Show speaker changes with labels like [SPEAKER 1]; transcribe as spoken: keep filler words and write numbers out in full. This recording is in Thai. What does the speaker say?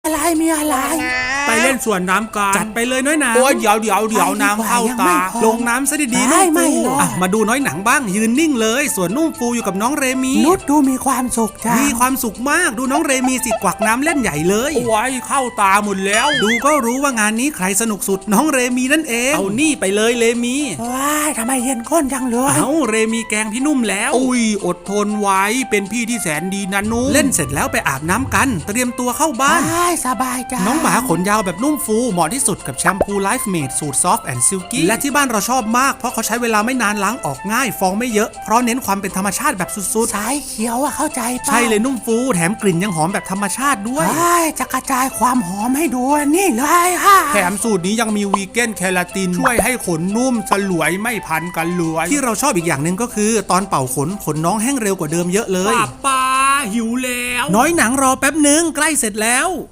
[SPEAKER 1] อะไรมีอะไร
[SPEAKER 2] ไปเล่นสวนน้ำกันจัดไปเลยน้อยหนังโอ้ยเดี๋ยวเดี๋ยวเดี๋ยวน้ำเข้าตาลงน้ำซะดีๆนุ่มฟูอ่ะมาดูน้อยหนังบ้างยืนนิ่งเลยส่วนนุ่มฟูอยู่กับน้องเรมี
[SPEAKER 1] นุชดูมีความสุขจ้า
[SPEAKER 2] มีความสุขมากดูน้องเรมีสิกวักน้ำเล่นใหญ่เลยโอ้ยเข้าตาหมดแล้วดูก็รู้ว่างานนี้ใครสนุกสุดน้องเรมีนั่นเองเอานี่ไปเลยเรมี
[SPEAKER 1] ว้ายทำไมเย็นก้นจังเลย
[SPEAKER 2] เอ้าเรมีแกงพี่นุ่มแล้วอุ้ยอดทนไว้เป็นพี่ที่แสนดีนะนุ่มเล่นเสร็จแล้วไปอาบน้ำกันเตรียมตัวเข้าบ้าน
[SPEAKER 1] สบายจ้า
[SPEAKER 2] น้องหมาขนยาวแบบนุ่มฟูเหมาะที่สุดกับแชมพู Life Made สูตร Soft and Silky และที่บ้านเราชอบมากเพราะเขาใช้เวลาไม่นานล้างออกง่ายฟองไม่เยอะเพราะเน้นความเป็นธรรมชาติแบบสุดๆ
[SPEAKER 1] สายเขียวอะเข้าใจป่ะ
[SPEAKER 2] ใช่เลยนุ่มฟูแถมกลิ่นยังหอมแบบธรรมชาติด้วย
[SPEAKER 1] จะกระจายความหอมให้ดูนี่เลยค่ะ
[SPEAKER 2] แถมสูตรนี้ยังมีวีแกนแคลาตินช่วยให้ขนนุ่มสลวยไม่พันกันเลยที่เราชอบอีกอย่างหนึ่งก็คือตอนเป่าขนขนน้องแห้งเร็วกว่าเดิมเยอะเลยป้าป้าหิวแล้วน้อยหนังรอแป๊บนึงใกล้เสร็จแล้ว